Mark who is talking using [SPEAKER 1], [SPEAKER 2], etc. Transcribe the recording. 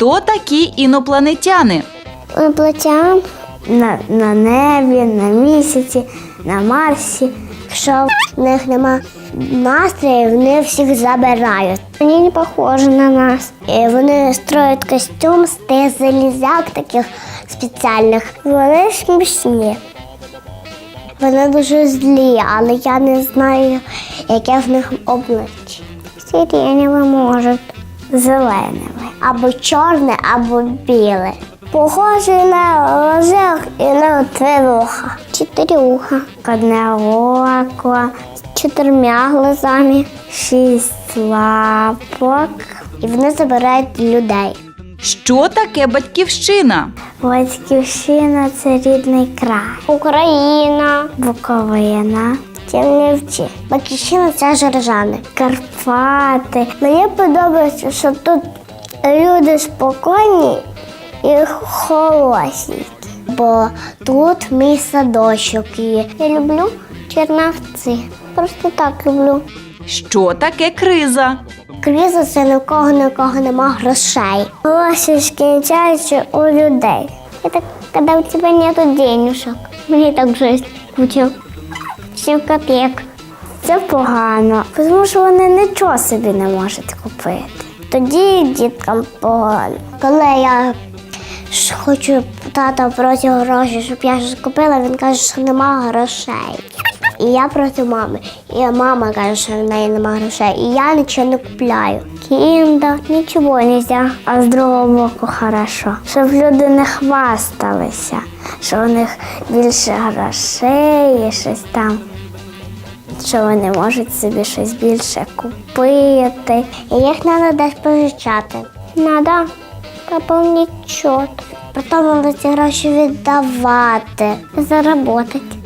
[SPEAKER 1] Хто такі інопланетяни?
[SPEAKER 2] Інопланетян на небі, на місяці, на Марсі. Якщо в них нема настрою, вони всіх забирають. Вони не схожі на нас. І вони строять костюм з тих залізяк таких спеціальних. Вони смішні. Вони дуже злі, але я не знаю, яке в них обличчя. Сиреневе можуть, зелене, або чорне, або біле. Похожий на лозок і на тривуха. 4 вуха. Одне око з 4 глазами, 6 лапок. І вони забирають людей.
[SPEAKER 1] Що таке батьківщина?
[SPEAKER 2] Батьківщина – це рідний край. Україна, Буковина, Чернівці. Батьківщина – це Жоржани, Карпати. Мені подобається, що тут люди спокійні і хороші. Бо тут мій садочок є. Я люблю Чернівці. Просто так люблю.
[SPEAKER 1] Що таке криза?
[SPEAKER 2] Криза – це нікого нема грошей. Гроші скінчаються у людей. Это когда у тебя нету денежок. Мені так жить буде. 7 копійок. Це погано, тому що вони нічого собі не можуть купити. Тоді діткам погано. Коли я хочу тата проти грошей, щоб я щось купила, він каже, що нема грошей. І я проти мами. І мама каже, що в неї немає грошей. І я нічого не купляю. Кінда, нічого не можна. А з другого боку хорошо. Щоб люди не хвасталися, що у них більше грошей і щось там. Що вони можуть собі щось більше купити. І їх треба десь позичати. Треба поповнити счет. Потім ці гроші віддавати, заробити.